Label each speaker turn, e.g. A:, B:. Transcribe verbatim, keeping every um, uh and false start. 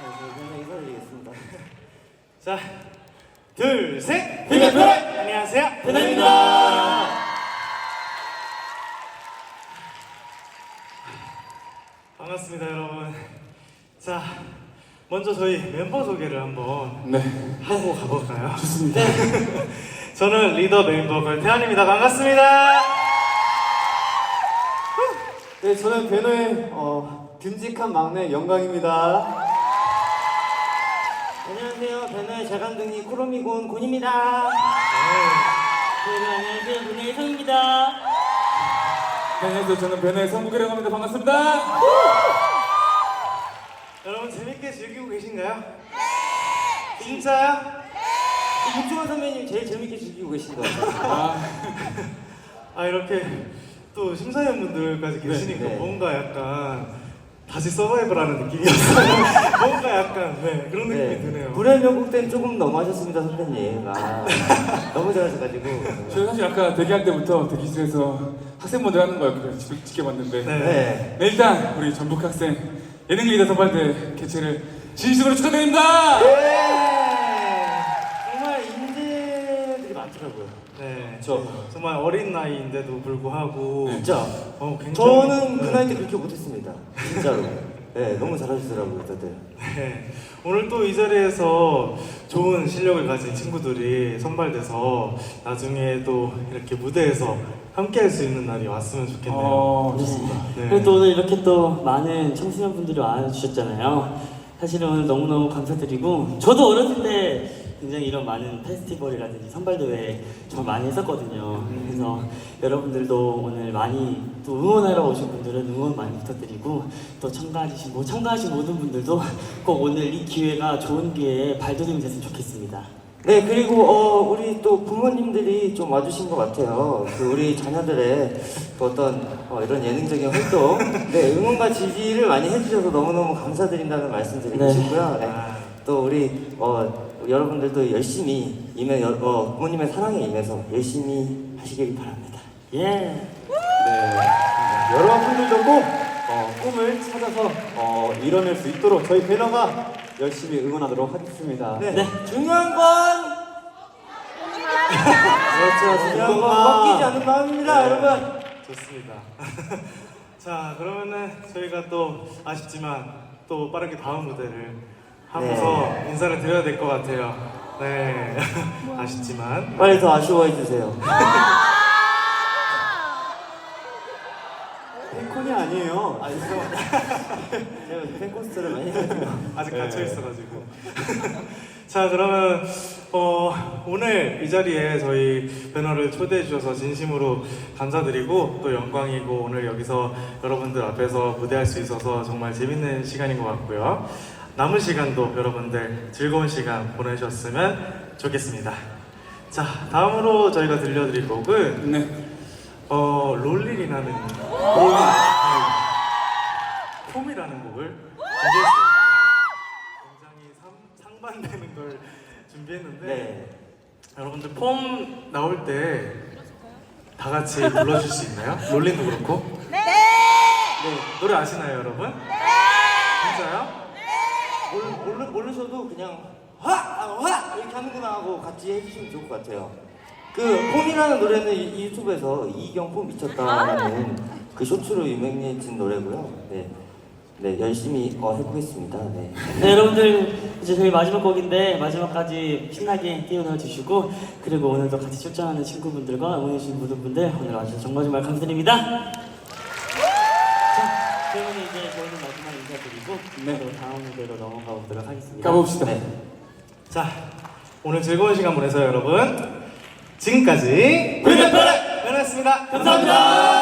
A: 네, 인사드리겠습니다.
B: 자, 둘, 셋!
A: 빅뱅!
B: 안녕하세요, 빅뱅입니다. 반갑습니다, 여러분. 자, 먼저 저희 멤버 소개를 한번
C: 네.
B: 하고 가볼까요?
C: 좋습니다.
B: 저는 리더 메인 보컬 태환입니다. 반갑습니다.
C: 네, 저는 배너의 어, 듬직한 막내 영광입니다.
A: 안녕하세요. 배너의 자강둥이 코로미곤 곤입니다.
D: 여러분 안녕하세요. 문혜의 성입니다.
C: 네, 안녕하세요. 저는 배너의 성국이라고 합니다. 반갑습니다.
B: 여러분 재밌게 즐기고 계신가요? 네! 진짜요?
A: 김종환 선배님 제일 재밌게 즐기고 계신 것 같아요.
C: 아,
B: 아 이렇게 또 심사위원분들까지 계시니까
A: 네.
B: 뭔가 약간 다시 서바이벌하는 느낌이었어요. 뭔가 약간 네 그런 느낌이
A: 네.
B: 드네요.
A: 불의 명곡 때는 조금 너무하셨습니다, 선배님. 아, 너무 잘하셔가지고.
C: 저는 사실 아까 대기할 때부터 대기실에서 학생분들 하는 걸 그냥 지- 지켜봤는데
B: 네.
A: 네.
C: 네, 일단 우리 전북 학생 예능 리더 선발대 개최를 진심으로 축하드립니다.
A: 네. 정말 인재들이 많더라고요.
B: 네.
A: 저
B: 정말 어린 나이인데도 불구하고
A: 진짜.
B: 어, 굉장히
A: 저는 그
B: 네.
A: 나이 때 그렇게 못했습니다. 진짜로. 네, 너무 잘하시더라고요, 다들.
B: 네. 오늘 또 이 자리에서 좋은 실력을 가진 친구들이 선발돼서 나중에 또 이렇게 무대에서 함께 할 수 있는 날이 왔으면 좋겠네요.
C: 어, 좋습니다.
B: 네.
D: 그리고 또 오늘 이렇게 또 많은 청소년분들이 와주셨잖아요. 사실은 오늘 너무너무 감사드리고 저도 어렸을 때 굉장히 이런 많은 페스티벌이라든지 선발대회 정말 많이 했었거든요. 그래서 여러분들도 오늘 많이 또 응원하러 오신 분들은 응원 많이 부탁드리고 또 참가하신, 뭐 참가하신 모든 분들도 꼭 오늘 이 기회가 좋은 기회에 발돋움이 됐으면 좋겠습니다.
A: 네, 그리고 어, 우리 또 부모님들이 좀 와주신 것 같아요. 그 우리 자녀들의 그 어떤 어, 이런 예능적인 활동, 네, 응원과 지지를 많이 해주셔서 너무너무 감사드린다는 말씀 드리고
D: 네.
A: 싶고요. 네.
B: 아.
A: 또 우리 어, 여러분들도 열심히 임해, 여, 어, 부모님의 사랑에 임해서 열심히 하시길 바랍니다.
D: 예.
C: 네. 여러분들도 꼭 어, 꿈을 찾아서 어, 이뤄낼 수 있도록 저희 배너가 열심히 응원하도록 하겠습니다.
A: 네,
D: 네.
A: 중요한 건 그렇죠, 중요한 건 꺾이지 않는 마음입니다,
B: 네.
A: 여러분.
B: 좋습니다. 자, 그러면은 저희가 또 아쉽지만 또 빠르게 다음 무대를 하면서
A: 네.
B: 인사를 드려야 될 것 같아요. 네, 아쉽지만
A: 빨리 더 아쉬워해 주세요.
C: 팬콘이 아니에요.
A: 아, 죄송합니다. 제가 팬코스트를 많이 해가지고.
B: 아직
C: 네.
B: 갇혀 있어가지고. 자, 그러면 어, 오늘 이 자리에 저희 배너를 초대해 주셔서 진심으로 감사드리고 또 영광이고 오늘 여기서 여러분들 앞에서 무대할 수 있어서 정말 재밌는 시간인 것 같고요. 남은 시간도 여러분들 즐거운 시간 보내셨으면 좋겠습니다. 자, 다음으로 저희가 들려드릴 곡은
C: 네.
B: 어, 롤릴이라는 롤릴 폼이라는 곡을 준비했어요. 굉장히 상, 상반되는 걸 준비했는데
A: 네.
B: 여러분들 폼 나올 때 다 같이 불러줄 수 있나요? 롤린도 그렇고? 네! 네. 노래 아시나요, 여러분? 네! 진짜요?
A: 모르, 모르, 모르셔도 그냥 화! 아, 화! 이렇게 하는구나 하고 같이 해주시면 좋을 것 같아요. 그 폼이라는 노래는 이, 이 유튜브에서 이경 폼 미쳤다라는 그 쇼츠로 유명해진 노래고요. 네, 네 열심히 어, 해보겠습니다. 네.
D: 네, 여러분들 이제 저희 마지막 곡인데 마지막까지 신나게 뛰어놀아 주시고 그리고 오늘도 같이 출전하는 친구분들과 응원해주신 모든 분들 오늘 와주셔서 정말 정말 감사드립니다. 자, 그러면 이제 저희는 마지막 인사드리고
C: 네.
D: 또 다음 무대로 넘어가 보도록 하겠습니다.
C: 가봅시다.
A: 네.
B: 자, 오늘 즐거운 시간 보내세요, 여러분. 지금까지 빅뱅 배너였습니다. 감사합니다.